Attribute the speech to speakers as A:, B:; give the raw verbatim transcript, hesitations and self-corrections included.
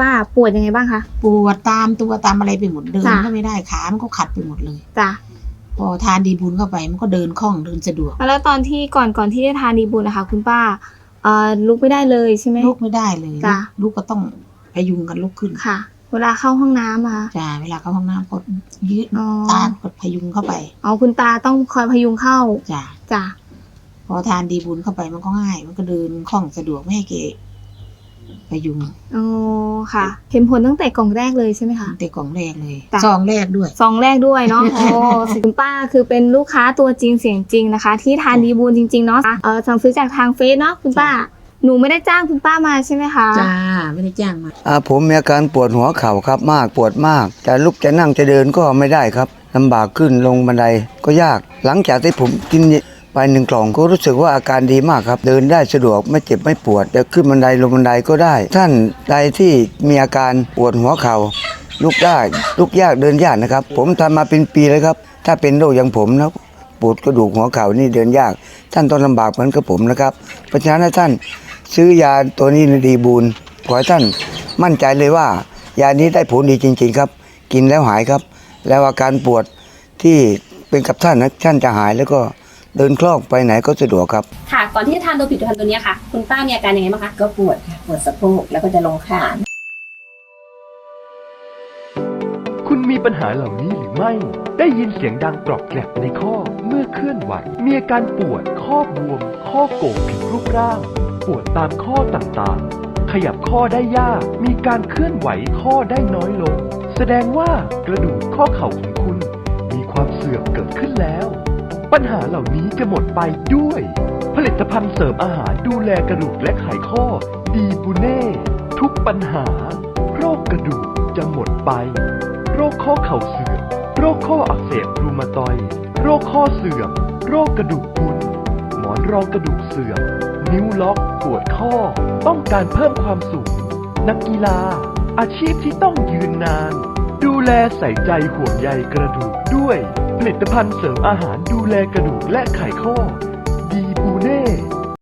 A: ป้าปวดยังไงบ้างคะ
B: ปวดตามตัวตามอะไรไปหมดเดินก็ไม่ได้ขามันก็ขัดไปหมดเลย
A: จ้ะ
B: พอทานดีบุญเข้าไปมันก็เดินคล่องเดินสะดวก
A: แล้วตอนที่ก่อนก่อนที่จะทานดีบุญนะคะคุณป้าเอ่อลุกไม่ได้เลยใช่ไหม
B: ลุกไม่ได้เลยจ้ะลุกก็ต้องพยุงกันลุกขึ้น
A: ค่ะเวลาเข้าห้องน้ำอะ
B: จ้ะเวลาเข้าห้องน้ำก็ยืดตากดพยุงเข้าไป
A: อ๋อคุณตาต้องคอยพยุงเข้า
B: จ้ะ
A: จ้ะ
B: พอทานดีบุญเข้าไปมันก็ง่ายมันก็เดินคล่องสะดวกไม่ให้เกะพยุง
A: อ๋อค่ะเห็นผลตั้งแต่กล่องแรกเลยใช่ไหมคะ
B: แต่กล่องแรกเลยซองแรกด้วย
A: ซองแรกด้วยเนาะโอ้คุณป้าคือเป็นลูกค้าตัวจริงเสียงจริงนะคะที่ทานดีบุญจริงๆเนาะเออสั่งซื้อจากทางเฟซเนาะคุณป้าหนูไม่ได้จ้างคุณป้ามาใช่ไหมคะ
B: จ้าไม่ได้จ้างมา
C: อ่าผมมีอาการปวดหัวเข่าครับมากปวดมากจะลุกจะนั่งจะเดินก็ไม่ได้ครับลำบากขึ้นลงบันไดก็ยากหลังจากที่ผมกินไปหนึ่งกล่องก็รู้สึกว่าอาการดีมากครับเดินได้สะดวกไม่เจ็บไม่ปวดจะขึ้นบันไดลงบันไดก็ได้ท่านใดที่มีอาการปวดหัวเข่าลุกได้ลุกยากเดินยากนะครับผมทำมาเป็นปีเลยครับถ้าเป็นโรคอย่างผมนะปวดกระดูกหัวเข่านี่เดินยากท่านต้องลำบากเหมือนกับผมนะครับเพราะฉะนั้นท่านซื้อยาตัวนี้ในดีบุญขอให้ท่านมั่นใจเลยว่ายานี้ได้ผลดีจริงๆครับกินแล้วหายครับแล้วอาการปวดที่เป็นกับท่านนะท่านจะหายแล้วก็เดินคล่องไปไหนก็สะดวกครับ
D: ค่ะก่อนที่จะทานตัวผลิตภัณฑ์ตัวนี้ค่ะคุณป้ามีอาการยังไงบ้างคะ
E: ก็ปวดค่ะปวดสะโพกแล้วก็จะลงขา
F: คุณมีปัญหาเหล่านี้หรือไม่ได้ยินเสียงดังกรอบแกรบในข้อเมื่อเคลื่อนไหวมีอาการปวดข้อบวมข้อโก่งผิดรูปร่างปวดตามข้อต่างๆขยับข้อได้ยากมีการเคลื่อนไหวข้อได้น้อยลงแสดงว่ากระดูกข้อเข่าของคุณมีความเสื่อมเกิดขึ้นแล้วปัญหาเหล่านี้จะหมดไปด้วยผลิตภัณฑ์เสริมอาหารดูแลกระดูกและไขข้อดีบูเน่ทุกปัญหาโรคกระดูกจะหมดไปโรคข้อเข่าเสื่อมโรคข้ออักเสบรูมาตอยด์โรคข้อเสื่อมโรคกระดูกพรุนหมอนรองกระดูกเสื่อมนิ้วล็อกปวดข้อต้องการเพิ่มความสูงนักกีฬาอาชีพที่ต้องยืนนานดูแลใส่ใจห่วงใยกระดูกด้วยผลิตภัณฑ์เสริมอาหารดูแลกระดูกและไขข้อดีบู